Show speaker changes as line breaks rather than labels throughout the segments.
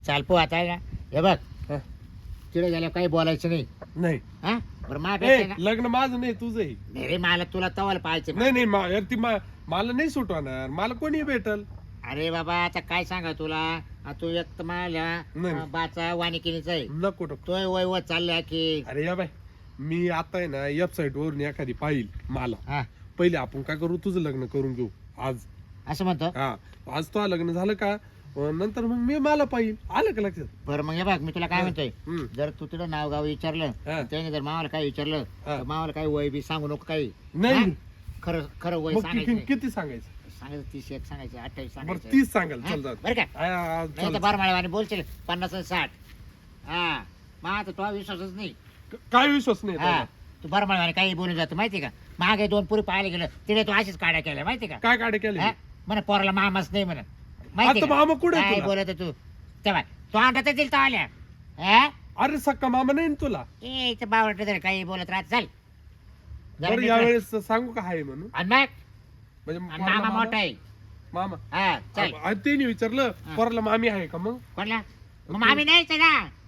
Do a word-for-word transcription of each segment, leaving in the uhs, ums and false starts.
चाल पो आता ना हे बघ
हा.
तिकडे गेल्या काही बोलायचं नाही
नाही
हा बरं मा
ए,
भेटते ना
लग्न माझं नाही तुझं आहे.
नाही रे मला तुला तवाला पाहायचं
नाही नाही मा- यार ती मा- मला नाही सुटवणार मला कोणी भेटल
अरे बाबा आता काय सांगा तुला आ, तू एक तर मला
नाही.
अ, बाचा वानिकिनीचा आहे
नको नको
तोय वय व चाललाय की
अरे या बाय मी आता आहे ना वेबसाईट वरून एखादी पाहिल मला
हा
पहिले आपण काय करू तुझं लग्न करून घेऊ आज
असं म्हणतो
हा आज तो लग्न झालं का अं, नंतर मग मी मला पाहिल आलं का लक्षात
बरं मग हे बघ मी तुला काय म्हणतोय
हम्म.
जर तू तिथं नाव गाव विचारलं
हा.
त्याने जर मावाला काय विचारलं
हा.
तर मावाला काही वय बी सांगू नको काही
नाही
हा? खरं खरं वय
मग
सांगायचं
किती
नाही.
किती सांगायचं
सांगायचं तीस एक सांगायचं अठ्ठावीस
बरं
सांगायचं
तीस सांगाल
हा?
चल जाऊ दे.
बरं का
आ, आ,
नाही
चल.
तर बार माळवाने बोलशील पन्नास आणि साठ हा मग आता तो विश्वासच नाही
काय विश्वास नाही
हा
त्याला?
तू बार माळवाने काही बोलून जातो माहिती का मागे दोन पुरी पाहायला गेलं तिने तू अशीच काड्या केल्या माहिती का
काय काढे केले
हा? म्हणे पोराला मामाच नाही म्हणत माहिती
आता
का?
मामा कुठे आहे
काय
तुला?
बोलत आहे तू तेव्हा तो अंडात दिल तो आल्या हा?
अरे सक्का मामा नाही ना तुला
ए इथं बावळट जर काही बोलत राहत चाल जरा
बरं
नीट
यावेळेस सांगू का आहे म्हणून
राह. आणि मग
म्हणजे
आणि
पोराला
मामा मोठा आहे
मामा
हा चल
आ, त्यांनी विचारलं
हा.
पोराला मामी आहे का मग
कोणला मग मामी नाही ना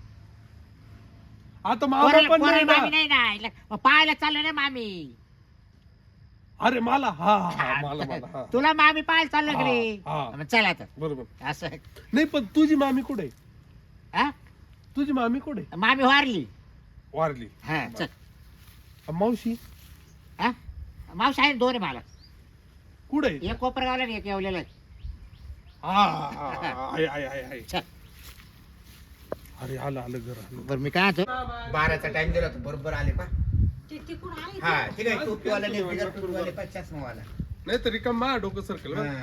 आता मामा
पोराला
पण
पोराला
नाही
मामी
ना.
नाही ना इला- मग पाहायला चाललं ना मामी
अरे मला हा हा, हा मला मला हा
तुला मामी पाहायला चाललं की रे
हा, हा.
मग चल आता
बरोबर
असं
नाही पण तुझी मामी कुठे आहे?
हा
तुझी मामी कुठे
मामी वारली
वारली
हा चल
आ, मावशी
हा मावशी आहे ना दोन आहे मला
कुठे आहे?
एक कोपरगावला आणि एक येवलेला आहे.
हा, हा, हा, आहे, आहे, आहे, आहे.
चल
अरे आलं आलं घर आलं
बरं मी काय म्हणतो
बाराचा टाइम दिला होता बरोबर आले पा
ते तिकडून आले
हा ठीक आहे टोपीवाला नाही बिगर टोपीवाले पा चष्मावाला
नाही तरी का मा डोकं सर्कल
हा.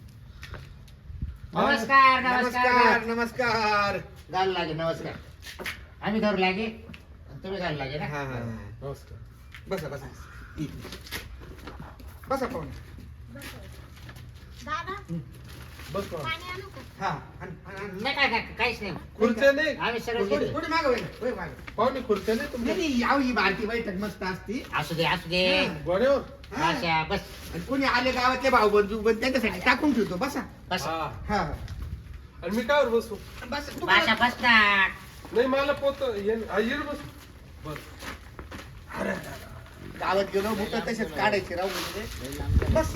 नमस्कार नमस्कार
नमस्कार नमस्कार
घालू लागे नमस्कार आम्ही धरू लागे आणि तुम्ही घालू लागे ना
हा हा
नमस्कार
बसा बसा बसा पाहून
दादा
बस पाहू.
पाणी आणू का
हा आण, आण, आण.
नाही काय काय काहीच नाही
खुर्च्या नाही
आम्ही सगळं
पुढे
घेतो.
पुढे मागं वळ, वळ मागं.
पाहुणे खुर्च्या नाही
नाही
तुमच्या
नाही याव ही बारकी बैठक मस्त असती
असू दे असू दे
हा.
गोड्यावर
हा.
अच्छा बस
आणि कोणी आले गावातले भाऊ बंधू पण त्यांच्यासाठी टाकून ठेवतो बसा
बस
हा
हा
आणि मी कावर बसू
बस तू
भाषा
काय-
बस ना
नाही मला पोत येन आ, येन बसू बस अरे अरे, अरे.
गावात गेलो बुट तसेच काढायचे राहू म्हणजे बस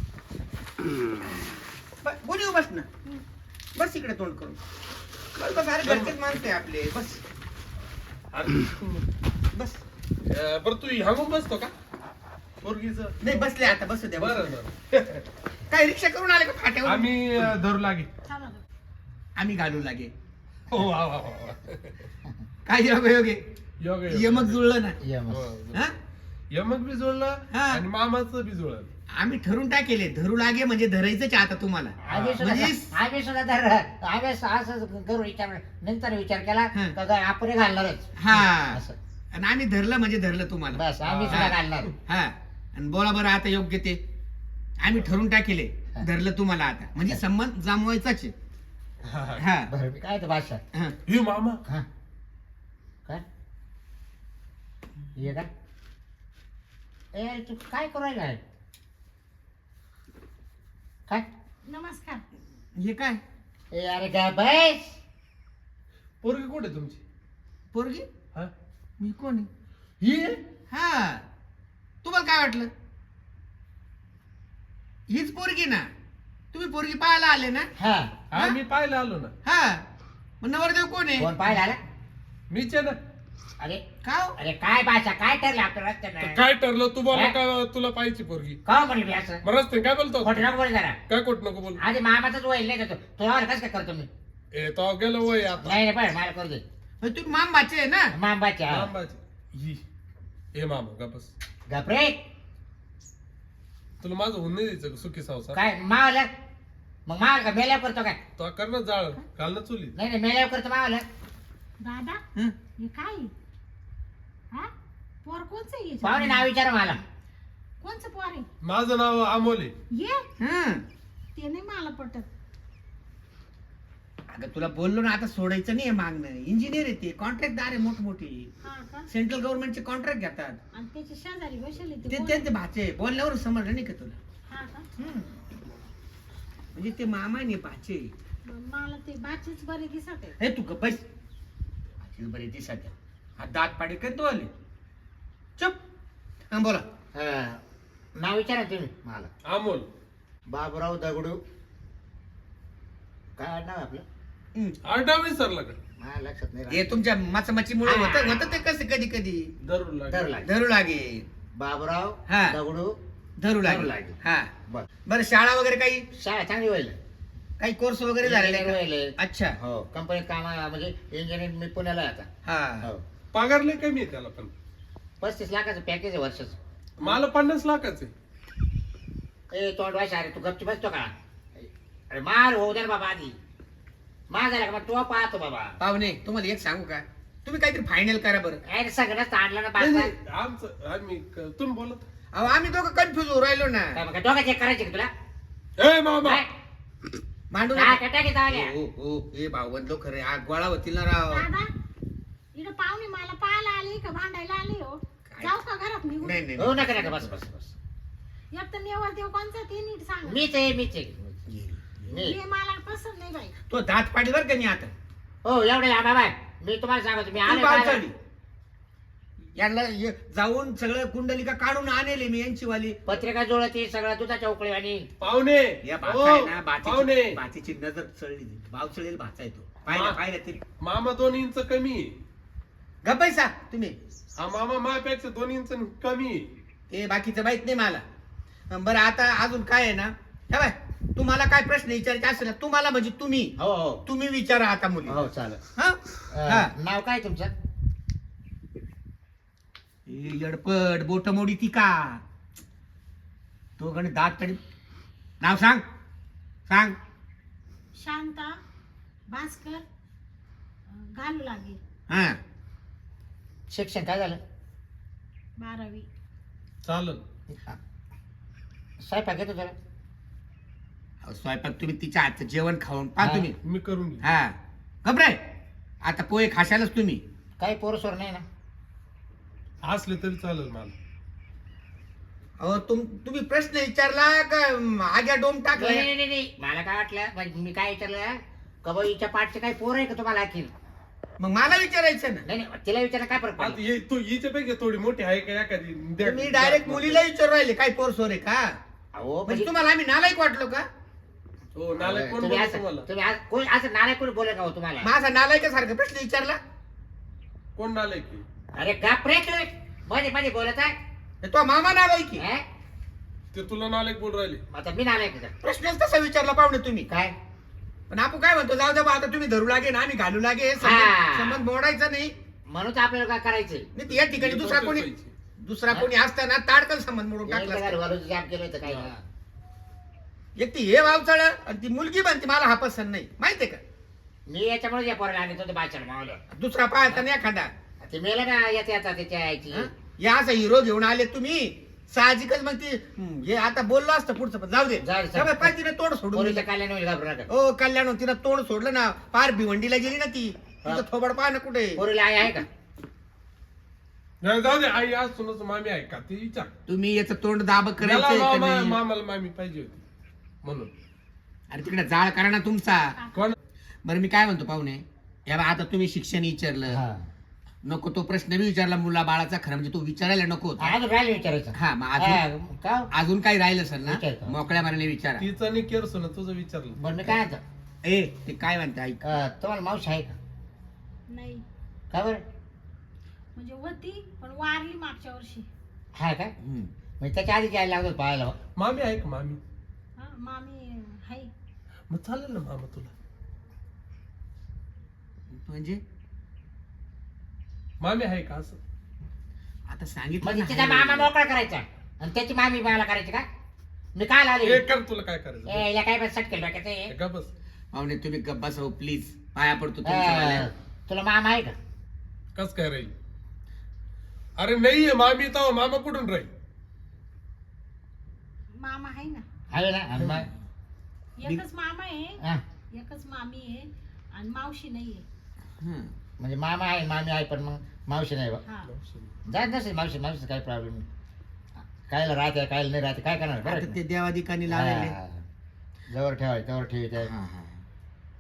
ब- बोली बस ना बस इकडे तोंड करून बस बस अरे घरचेच माणसं आहे आपले बस
अरे
बस
अ, बरं तू ह्यागून बसतो का पोरगीच
नाही बसले आता बसू द्या
बरं
बसू द्या.
बरं
काय रिक्षा करून आले का फाट्यावर
आम्ही अ, धरू लागे
चला गं.
आम्ही घालू लागे
हो वा वा वा वा.
काय योग योगे
योग योग.
यमक जुळलं ना
ये मग.
हो.
हा
यमक बी जुळलं
हा.
आणि मामाचं बी जुळलं
आम्ही ठरून टाकेले धरू लागे म्हणजे धरायचंच आहे आता तुम्हाला
आम्ही सुद्धा
म्हणजे-
आम्ही सुद्धा धर आम्ही असं करू विचार नंतर विचार केला
हा.
का काय आपण घालणारच
हा
असं.
आणि आम्ही धरलं म्हणजे धरलं तुम्हाला
बस आम्ही
हा.
सुद्धा घालणार
हा आणि बोला बरं आता योग्य ते आम्ही ठरून टाकेले
हा.
धरलं तुम्हाला आता म्हणजे संबंध जमवायचाच आहे
हा, हा.
हा
बरं मी काय ते भाषा
हा.
हे मामा
हा काय ये का ए तू काय करू राहिला आहे? काय
नमस्कार
हे काय
ए अरे काय बस
पोरगी कुठे तुमची
पोरगी
हा
मी कोण आहे
ही
हा तुम्हाला काय वाटलं हीच पोरगी ना तुम्ही पोरगी पाहायला आले ना
हा
हा मी पाहायला आलो ना
हा मग नवरदेव कोण आहे
कोण पाहिला आला
मीच आहे ना
अरे
का हो?
अरे काय भाषा काय ठरलं आपल्या
तर
रस्त्यानं
काय ठरलं तू बोला
हा?
का तुला पाहिजे पोरगी
का म्हणली मी असं
मग रस्ते काय बोलतो
खोटं नको बोल जरा
काय कोट नको बोल
आधी मामाचाच वय नाही देतो तुला कसं काय करतो मी
ए तो गेलो वय आता
नाही रे पण मला करू दे
मग तुम्ही मामबाचे आहे ना
मामाच्या
मामाची. ही ए मामा का बस
गपरे
तुला माझं होऊन नाही द्यायचं का सुखी संसार
काय मावलं मग मावलं का मेल्यावर करतो काय
तो कर ना जाळ घाल ना चुली
नाही नाही मेल्यावर करतो मावलं
दादा
हं?
हे काय आहे? हा पोर कोणचं आहे
पाहुणे
हे?
नाव विचार मला
कोणचं पोर आहे
माझं नाव अमोल आहे
ये
हं.
ते नाही मला पटत
अगं तुला बोललो ना आता सोडायचं नाही मागणं इंजिनियर आहे ते कॉन्ट्रॅक्टदार आहे मोठमोठे
हा का
सेंट्रल गव्हर्नमेंटचे कॉन्ट्रॅक्ट घेतात
आणि त्याच्या शेजारी बसले ते
ते
कोण?
त्यांचे भाचे बोलल्यावर समजलं नाही का तुला
हा का
हं. म्हणजे ते मामा नाही भाचे
मला ते बाचीच बरी दिसत आहे.
हे तू गप्प बस. माझी बरी ती सध्या हा दात पाडी काय तो आले चुप. हा बोला.
हा, नाव विचारा तुम्ही मला.
अमोल.
बाबूराव दगडू. काय नाव आहे आपलं?
हम्म.
आडनाव विसरला का?
माझ्या लक्षात नाही
हे
राहिलं.
तुमच्या माचमाचीमुळे
हा.
होतं होतं ते कसं कधी कधी
धरून लागला.
धरू लागे.
धरू लागे.
बाबूराव
हा.
दगडू.
धरू
धरू
लागे.
लागे.
हा
बर.
बरं शाळा वगैरे काही
शाळा चांगली होईल.
काही कोर्स वगैरे झालेले
Engineer
का?
होईल.
अच्छा.
हो कंपनीत काम म्हणजे इंजिनियर मी पुण्याला आहे आता.
हा
हो
पगार लय कमी आहे त्याला पण.
पस्तीस लाखाचं पॅकेज आहे वर्षाचं.
मला पन्नास लाखाचे.
ए तोंड वाश अरे तू गपची बसतो का? अरे मार होऊ दे ना बाबा आधी. मार झाला का मग तो पाहतो बाबा.
पाहुणे तुम्हाला एक सांगू का तुम्ही काहीतरी फायनल करा बरं.
अरे सगळंच ताणलं ना
नाही,
बाबा.
नाही, आमचं आम्ही क- तुम्ही बोलत.
अहो आम्ही दोघं कन्फ्युज होऊ राहिलो ना.
काय मग डोका चेक करायचे का तुला?
ए मामा.
काय?
मांडू
काय
नका.
कटा घेता आल्या?
हो हो हे भावबंद लोक खरे आग गोळा होतील ना राव.
दादा इकडे पाहुणे मला पाहायला आले का भांडायला आले हो?
काय?
जाऊ का घरात निघून?
नाही नाही
हो नका नका बस बस बस.
एक तर नेवर देव कोणचा ते नीट सांग.
मीच आहे मीच आहे. मी
हे मला पसंत नाही बाई.
तो दात पाडी बर का नाही आता.
हो एवढे या बाबा मी तुम्हाला सांगतो मी
तू
आले
पावसाळी. यांना ये- जाऊन सगळं कुंडलिका काढून आणले मी यांची वाली.
पत्रिका जुळती सगळं दुधाच्या उकळी आणि
पाहुणे.
या
ओ,
भाचा आहे ना
पाहुणे.
बाचीची बाचीची नजर चढली. भाव चढेल भाचा येतो पाहिलं
मा-
पाहिलं तरी
मामा दोन इंच कमी आहे.
गप्पैसा तुम्ही.
हा मामा माझ्यापेक्षा दोन इंच कमी आहे.
ते बाकीचं माहित नाही मला. बरं आता अजून काय आहे ना हे बाय तुम्हाला काय प्रश्न विचारायचे असेल ना तुम्हाला म्हणजे तुम्ही
हो हो
तुम्ही विचारा आता मुली.
हो चालेल.
हा हा.
अं, नाव काय तुमचं?
ए, यडपट बोट मोडी ती का तो गण दात तरी नाव सांग सांग.
शांता भास्कर अं, घालू लागेल.
हा
शिक्षण काय झालं?
बारावी.
चालेल.
स्वयंपाक येतो तुला?
अहो, स्वयंपाक तुम्ही तिच्या हातचं जेवण खाऊन पहा
हा.
तुम्ही.
मी करून घेईन.
हा घबराय आता पोहे खाशालच तुम्ही.
काही पोरसोर नाही ना?
असले तरी चालेल मला.
अहो तुम तुम्ही प्रश्न विचारला का अं, आग्या डोम
नाही
टाकला.
नाही नाही, नाही मला काय वाटलं म्हणजे मी काय विचारलं का बाई हिच्या पाठचे काही पोर आहे का तुम्हाला आणखी?
मग मला विचारायचं ना.
नाही नाही तिला विचारलं काय फरक
आता
पडला?
ये तू हिच्यापैकी थोडी मोठी आहे का एखादी द्या-
तुम्ही डायरेक्ट मुलीला विचारू राहिले काय पोर सोर आहे का
अहो
म्हणजे
म्हणजे
तुम्हाला आम्ही नालायक वाटलो का.
हो नालायक कोण
तुम्ही
बोलतो
असं
तुम्हाला?
तुम्ही असं- कोण असं नारायण कोणी बोलेल का हो तुम्हाला?
माझा नालायकासारखा प्रश्न विचारला.
कोण नालायक आहे?
अरे का रे तुम्ही मध्ये मध्ये बोलत आहे?
तो मामा नालायकी.
हे?
ते तुला नालायक बोल राहिले.
आता मी नारायण का?
प्रश्नच तसा विचारला पाहुणे तुम्ही.
काय?
पण आपण काय म्हणतो जाऊ द्या बा, आता तुम्ही धरू लागे ना आम्ही घालू लागे
हा.
संबंध संबंध मोडायचा नाही.
म्हणून तर आपल्याला काय करायचंय?
नाही तर या ठिकाणी दुसरा कोणी दुसरा कोणी असताना ताडकन संबंध मोडून टाकला असता.
घरवालोची जाम केलं होतं काय?
हा.
एक ती हे वावचळ आणि ती मुलगी बनते मला हा पसंत नाही माहितीये का.
मी याच्यामुळे या पोराला आणत होतो बाच्याला मावलं.
दुसरा पाहता नाही एखादा.
ते मेलं ना येता येता त्याच्या आईची.
हं? या असा हिरो घेऊन आले तुम्ही साहजिकच मग ती हं, हे आता बोललो असतं पुढचं पण जाऊ दे.
जाऊ दे,
त्या बाई पाय तिने तोड सोडून
पोरीच्या
दिलं.
कल्याण होईल घाबरू नका.
ओ कल्याण तिनं तोड सोडलं ना पार भिवंडीला गेली ना ती
हा.
तिचं थोबड पाहा ना कुठे.
पोरीला आई आहे का?
नाही, जाऊ दे. आई आज सुनाचं मामी आहे का ते विचार.
तुम्ही याचं तोंड दाब
मला
करायचं
मामा- मामाला मामी पाहिजे होती म्हणून.
अरे तिकडे जाळ करा ना तुमचा.
कोण?
बरं मी काय म्हणतो पाहुणे या बा, आता तुम्ही शिक्षण विचारलं
हा.
नको तो प्रश्न बी विचारला मुला बाळाचा खरं म्हणजे तो विचारायला नको होता.
अजून राहिलं विचारायचं.
हा मग अजून
हा, का?
अजून काही राहिलं सर ना
विचारतो.
मोकळ्या माराने विचारा.
तिचं आणि केर सुना तुझं विचारलं.
बरं मी काय म्हणतो?
ए ते काय म्हणते ऐक.
अं, तुम्हाला मावशी आहे का?
नाही
का बरं?
म्हणजे होती पण वारली मागच्या वर्षी.
हा का?
हम्म.
म्हणजे त्याच्या आधी यायला लागतो पाहायला.
मामी आहे का मामी?
हा मामी हाय.
मग चालेल ना मामा तुला.
म्हणजे
मामी आहे का असं?
आता सांगितलं
म्हणजे
ना,
तिचा
आहे.
मामा मोकळा करायचा आणि त्याची मामी मला करायची का? मी काय लावली?
हे कर तुला काय करायचं.
ए, या काय पण सटकेल डोक्याचं
हे
आहे.
का बस.
पाहुणे तुम्ही गप्पा सहो प्लीज पाया पडतो तुमच्या
अं,
वाल्या.
तुला मामा आहे का?
कस काय राहील? अरे नाहीये मामी तर मामा कुठून राहील?
मामा आहे ना.
आहे ना? आणि मग?
एकच मामा आहे
हा.
एकच मामी आहे आणि मावशी नाहीये.
हं.
म्हणजे मामा आहे मामी आहे पण मग मावशी नाही बा.
हा
जात नसेल मावशी मावशी काही प्रॉब्लेम नाही. कायला राहते कायला नाही राहते काय करणार बरं
आता
का?
ते देवाधिकानी लावलेले.
हा. जवळ ठेवायचं जवळ ठेवायचं.
हा, हा.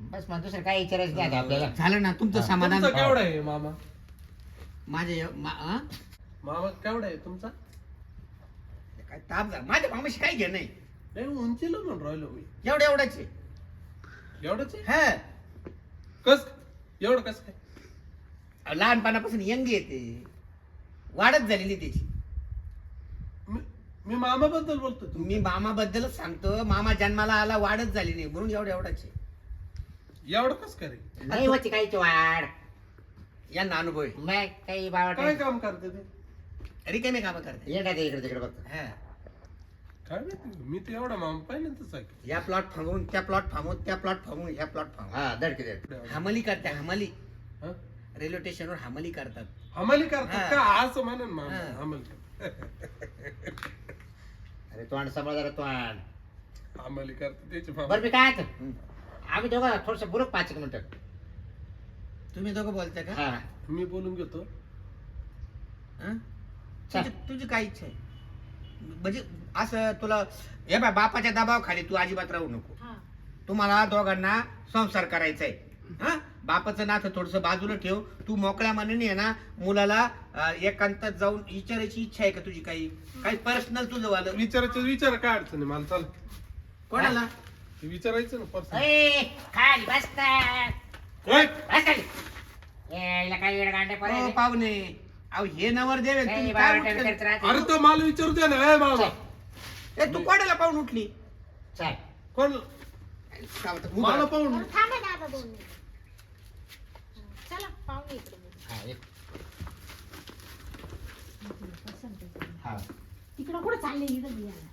बस मग दुसरं काय विचारायचं नाही आता आपल्याला.
झालं ना तुमचं समाधान.
तुमचा केवढा आहे मामा?
माझे मा- हा?
मामा केवढा आहे तुमचा?
काय ताप झाला माझ्या मामाशी काय घे नाही.
नाही उंचीला म्हणून राहिलो मी.
एवढ्या एवढ्याचे
एवढंच आहे?
हा
कस एवढं कस काय?
लहानपणापासून यंग येते, वाढत झालेली त्याची.
मी- मी मामाबद्दल बोलतो तू.
मी मामाबद्दलच सांगतो. मामा जन्माला आला वाढच झाली नाही म्हणून एवढ्या एवढ्याचे.
एवढं कस काय रे?
नाही होती काहीची वाढ.
यांना अनुभव आहे.
नाही काही बाबा
काय काम करते ते?
रिकामे कामं करते.
येणार ते इकडे तिकडे बघतो.
हा.
काय माहिती, मी तर एवढा मामा पहिल्यांदाच ऐकलं.
या प्लॉट फांगून त्या प्लॉट फांगून त्या प्लॉट फांगून ह्या प्लॉट फांगून
हा धडकी धड.
हमली करते. हमली
हं?
रेल्वे स्टेशनवर हमली करतात.
हमाली करतात
हा.
का असं म्हणेन मामा?
हा.
हमाली करतात.
अरे तोंड सांभाळ जरा तोंड.
हमाली करतात त्याचे मामा.
बरं मी काय आता? आम्ही दोघं थोडस बुरुक पाच एक मिनिटं.
तुम्ही दोघं बोलताय का?
हा
मी बोलून घेतो.
हं? तुझी तुझी काय इच्छा आहे? म्हणजे असं तुला हे बा बापाच्या दबावाखाली तू अजिबात राहू नको.
हा
तुम्हाला दोघांना संसार करायचा आहे. हा बापाचं नातं थोडस बाजूला ठेव. तू मोकळ्या मनाने आहे ना मुलाला अं, एकांतात जाऊन विचारायची इच्छा आहे का तुझी? काही काही पर्सनल तुझं वालं
विचारायचं विचार काय अडचण आहे मला? चाल
कोणाला?
ते विचारायचं ना पर्सन.
ए, खाली बसतात.
काय?
बस खाली. ए, हिला काय वेळ गांडे
हो,
पडायले?
पाहुणे अहो हे नवर देवे
काही
तुम्ही
बाबा
काय
टाइम
उठले?
करत राहते.
अरे तो मला विचारू दे ना. ए मामा
ए, तू कोणाला पाहून उठली?
चल.
कोण?
काय म्हणतात?
मला
उभा.
पाहून.
बरं, थांबा दादा दोन मिनिट. हं, चला पाहुणे इकडे बोलू.
हा, ये.
पसंत आहे.
हा.
तिकडं कुठं चालले इकडं बियाला?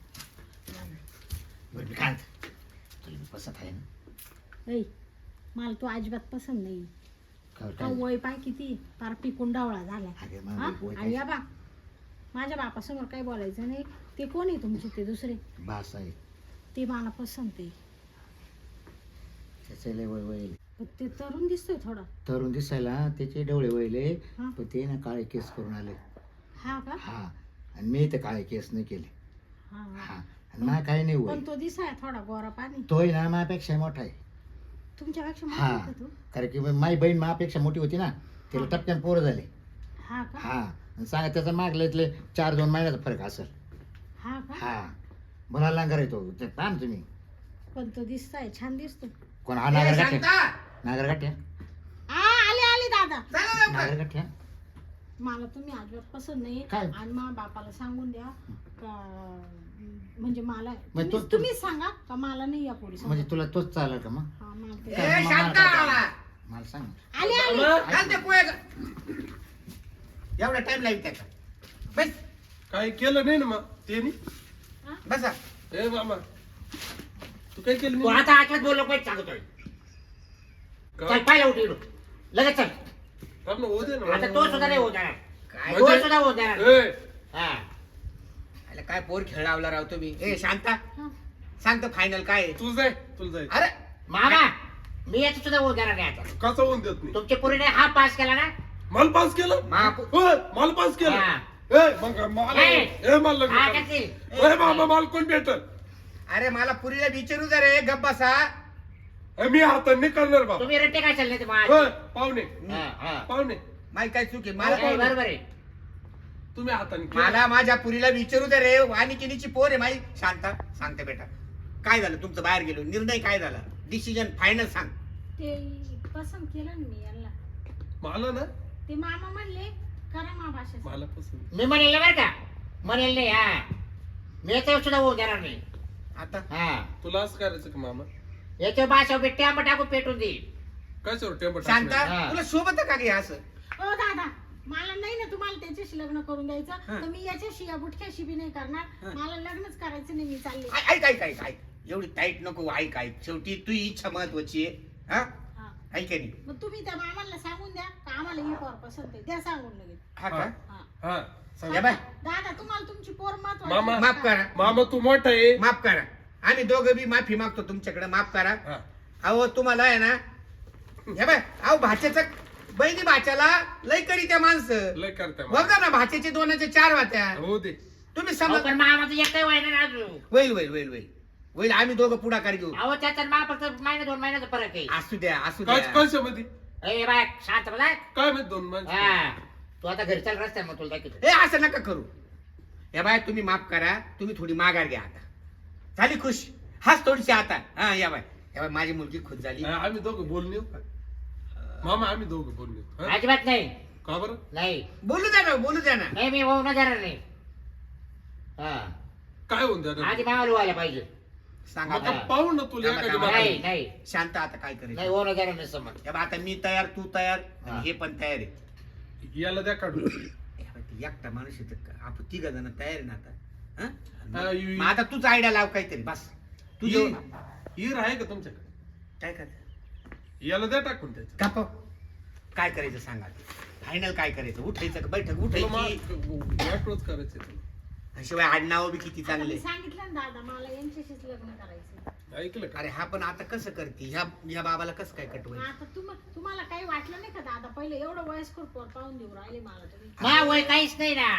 बरं, मी काय म्हणतो? तुला मी पसंत आहे ना?
ऐ, मला तो अजिबात पसंत नाही.
काय-
हा
काय?
वय पाय किती पार पिकून डावळा झालाय.
अरे मग
हा?
वय काय?
आणि या बा माझ्या बापासमोर काही बोलायचं नाही. ते कोण आहे तुमचे ते दुसरे?
बास आहे.
ते मला पसंत आहे.
त्याचे लय वय वय.
पण ते तरुण दिसतोय थोडा.
तरुण दिसायला त्याचे डोळे वळले.
हा.
पण ते ना काळे केस करून आले.
हा का?
हा आणि मी तर काळे केस नाही केले.
हा हा.
हा आणि मला काही नाही
पण
वय.
तो दिसाय थोडा गोरा पाणी.
तोय ना माझ्यापेक्षा मोठा आहे.
तुमच्यापेक्षा मोठा
हा
आहे का तो?
कारण की माझी बहीण माझ्यापेक्षा मोठी होती ना. तिला
हा.
टपक्यान पोरं झाले.
हा का?
हा आणि सांगा त्याचा मागले इथले चार दोन महिन्याचा फरक असेल.
हा का?
हा मला लांगर येतो ते पहा ना तुम्ही.
पण तो दिसताय छान दिसतो.
कोण हा
ए,
नागरगाठ्या?
शांता!
नागरगाठ्या?
आ आले आले दादा.
चला लवकर.
नागरगाठ्या?
मला तुम्ही अजिबात पसंत नाही.
काय?
आणि मा बापाला सांगून द्या का म्हणजे मला
मग तो-
तुम्हीच- तुम्हीच सांगा का मला नाही या पोरी
म्हणजे तुला तोच चालेल का मग?
हा मला ते-
ए,
मला-
शांता!
मला सांग.
आले आले.
मामा,
घाल ते पोहे ग- एवढा टाइम लागेल त्याचा. बस
काही केलं नाही ना मग ते नाही.
हा?
बसा.
ए मामा तू काय केलं
तू
नाही?
आता आठवत बोललो पाहिजे सांगतोय. चल
काय?
पाहिलं उठी इकडून. लगेच चल.
थांब ना, होऊ दे ना.
आता तो सुद्धा नाही होत आहे.
काय
तो
म्हणजे-
सुद्धा होत आहे.
ए,
हा
अरे काय पोर खेळावला राव तुम्ही. ए शांता
हा.
सांगतो फायनल काय आहे?
तू जाय तुला जाय.
अरे
मामा मी याचं सुद्धा होत देणार नाही आता.
कसा होऊन देत नाही?
तुमच्या पोरीने हा पास केला ना.
मला पास केलं?
मा-
होय, मला पास केलं.
हा.
ए मग मला
ए.
ए मला लग्न
हा
करायचं.
करतील.
ए मामा मला कोण भेटल?
अरे मला पुरीला विचारू जरा रे गप बसा.
ए, मी हाताने नाही करणार बाबा.
तुम्ही रट्टे काय चालले ते
होय,
माझे?
पाहुणे
हा, हा.
पाहुणे
माही काय चूक आहे
नाही,
मला
बरोबर आहे.
तुम्ही हाताने केलं.
मला माझ्या पुरीला विचारू दे रे. वानिकिनीची पोर आहे माही. शांता सांगते बेटा काय झालं तुमचं बाहेर गेलो निर्णय काय झाला? डिसिजन फायनल सांग.
ते पसंत केलं ना मी यांना.
मला ना
ते मामा म्हणले करा मा भाषा.
मला पसंत.
मी म्हणेल नाही बरं का. म्हणेल नाही. हा मी याच्यावर सुद्धा होऊ देणार नाही.
आता
हा
तुला असं करायचं का मामा?
याच्यावर भाषा टॅम्प टाकून पेटून देईल.
कशावर टेम्पो
शांता
हा.
तुला सोबत का घे असं?
ओ दादा मला नाही ना तुम्हाला त्याच्याशी लग्न करून द्यायचं.
हा.
तर मी याच्याशी या बुटक्याशी बी नाही करणार.
हा.
मला लग्नच करायचं नाही. मी चालले.
ऐ- ऐक ऐक ऐक ऐक एवढी टाईट नको. ऐक ऐक शेवटी तू इच्छा महत्वाची आहे. हा
हा.
ऐक नाही.
मग तुम्ही त्या मामाला सांगून द्या का आम्हाला ही पोर पसंत आहे. द्या सांगून लगेच.
हा का?
हा.
हा सांग.
या बाय.
दादा तुम्हाला तुमची पोर महत्वाची
मामा,
आहे
माफ
का?
करा.
मामा तू मोठा आहे.
माफ करा. आम्ही दोघं बी माफी मागतो तुमच्याकडे. माफ करा.
हा.
अहो तुम्हाला आहे ना हे बाय अहो भाच्याचं बहिणी भाच्याला लय करी त्या माणसं
लय करते मामा.
बघा ना भाच्याचे दोनाचे चार वात्या.
हो दे.
तुम्ही
अहो,
समज
पण मामाचं एक काही व्हायना ना अजून.
होईल होईल होईल होईल होईल आम्ही दोघं पुढाकार घेऊ.
अहो त्याच्यात मला फक्त महिना दोन महिन्याचा फरक आहे.
असू द्या असू
काय
द्या.
कशामध्ये
ए बाय शांत बसा.
काय माहित दोन माणसं
हा तू आता घरी चाल रस्त्यावर मग तुला दाखवतो.
हे असं नका करू. या बाय तुम्ही माफ करा, तुम्ही थोडी माघार घ्या आता. झाली खुश? हाच थोडीशी आता. हा या बाय या बाय माझी मुलगी खुश झाली.
हा, आम्ही दोघं बोलणे येऊ का? मामा आम्ही दोघं बोलणे येऊ. हा?
अजिबात नाही.
का बरं
नाही
बोलू द्या ना बोलू द्या ना.
नाही मी होऊ न देणार नाही. हा
काय होऊन द्या
आधी मावाला व्हायला पाहिजे.
सांगा
आता
आता.
पाहू ना तुला
थांबा,
एखादी
थांबा.
बातमी.
नाही नाही
शांत आता काय करायचं.
नाही होऊ न देणार नाही समज.
या बाय आता मी तयार तू तयार
हा.
आणि हे पण तयार आहे.
याला द्या काढून
या बाय, ती एकटा माणूस आहे तर आपण तिघ जण तयार आहे ना आता. हा?
हा, यु-
मग आता तूच आयडिया लाव काहीतरी बस. तू
हीर
जेवण
हीर आहे का तुमच्याकडे?
काय कर
याला द्या टाकून त्याच्या
काप काय करायचं सांगा. फायनल काय करायचं? उठायचं का बैठक
तुला
उठायची?
मा- वाटोळच करायचंय तुला.
शिवाय आडनाव बी किती
आता
चांगले.
मी सांगितलं ना दादा मला यांच्याशीच लग्न करायचं.
ऐकलं का?
अरे हा पण आता कसं करते ह्या ह्या बाबाला कसं काय
मग
कटवायचं?
आता तुम तुम्हाला काही वाटलं नाही का दादा पहिले एवढं वयस्कर पोर पाहून देऊ राहिले मला तुम्ही.
मा वय काहीच नाही ना.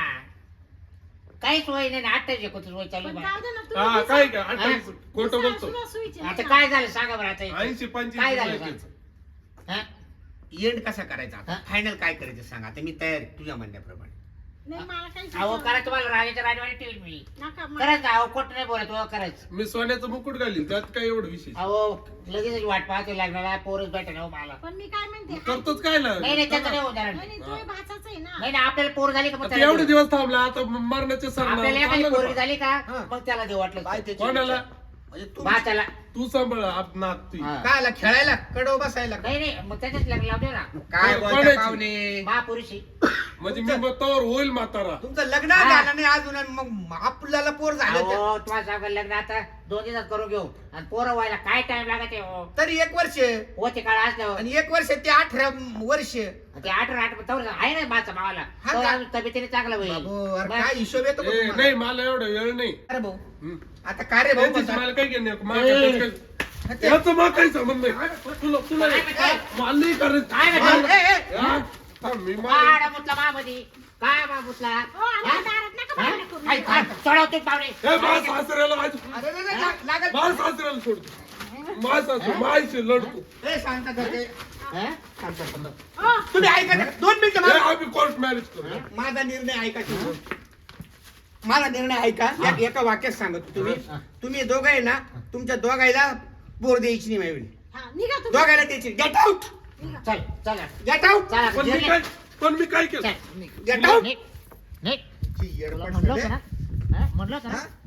काहीच वय नाही ना. अठ्ठावीस एकोणतीस वय चालू
पण
आहे
जाऊ दे ना,
हा
तुम्ही
काय
दिसा-
का अठ्ठावीस खोटं बोलतो.
दिसा- सुईचे
आता
नाही
काय
ना.
झालं सांगा बरं आता.
ऐंशी पंचवीस
काय झालं
वयाचेच.
हा?
एंड कसा करायचा आता?
हा?
फायनल काय करायचं सांग. आता मी तयार आहे तुझ्या म्हणण्याप्रमाणे.
नाही मला काही
अहो
सुचलं
करा तुम्हाला राजाच्या राजवाडी ठेवील मी.
नका मला-
करायचं अहो खोट नाही बोलत हो करायचं.
मी सोन्याचं मुकुट घालीन त्यात काय एवढं विशेष
अहो लगेच वाट पाहते लागणार पोरच भेटे ना हो मला.
पण मी काय म्हणते
करतोच काय
नाही नाही त्याचं नाही होत
नाही, नाही, तोही भाचाच आहे ना.
नाही नाही आपल्याला पोर झाली का मग
आता
त्याला
एवढे
देऊ.
दिवस थांबला आता मरणाचे सर
आपल्याला एखादी पोरगी झाली का
हा.
मग त्याला देऊ वाटलं
काय त्याची
कोणाला?
इच्छा? म्हणजे तू
भाच्याला.
तू सांभाळ आप नाक ती
हा.
काय आला खेळायला कडव बसायला का?
नाही नाही मग त्याच्याच लग्न लावू दे ना.
काय
कोण-
बोलता
कोणाची?
पाहुणे?
महापुरुषी.
म्हणजे मी तवर होईल म्हातारा.
तुमचं लग्न
हा.
झालं नाही अजून आणि मग आपल्याला पोर झालं तर-
अहो तुम्हाला सांगा लग्न आता दोन दिवसात करून घेऊ आणि पोरं व्हायला काय टाइम लागत आहे हो.
तरी एक वर्ष
होते काळ असल्यावर
आणि एक वर्ष ते अठरा वर्ष.
ते अठरा आठ तवर आहे ना माझा मावाला
हा
तवर
का?
अजून तब्येतीने चांगला होईल.
बाबू, अरे
मग-
काय हिशोब येतो का
ए,
तुम्हाला?
नाही मला एवढं वेळ नाही.
अरे भाऊ
हम्म.
आता काय रे भाऊ
त्यांच्याशी
म्हणतात?
मला काय घेणे
हा, ते-
याचं मग काही संबंध नाही तुला तुला
काय म्हणताय?
मला नाही करायचं.
काय म्हणताय?
मला-
ए, ए,
हा? थांब, मी मला-
काढा मुतला मामध्ये काय मा मुतला
हो, आमच्या दारात नका भांडण करू.
काय काय चढवतो पाहुणे
ए, माझ्या सासऱ्याला माझ्या
अरे, अरे, अरे, लाग- लागल.
माझ्या सासऱ्याला सोडतो माझ्या सासू माझ्याशी लढतो.
ए, शांत करते.
हा?
शांत, शांत.
हो,
तुम्ही ऐका ना. दोन मिनिटं
ए,
मला-
आम्ही कोर्ट मॅरेज करू.
माझा निर्णय ऐका तुम्ही. माझा निर्णय ऐका एक- एका वाक्यात सांगतो तुम्ही
हा.
तुम्ही दोघं आहे ना तुमच्या दोघायला बोर द्यायची नाही माझी.
हा, निघा तुम्ही.
दोघायला द्यायची. Get out.
चल चला
गेट आउट.
चला
पण मी
जेवले.
काय पण मी काय केलं?
चल, निघ.
Get out.
निघ. निघ.
ची येडपट
तुला म्हणलं
झाले.
होतं ना हा? म्हणलं होतं ना
हा?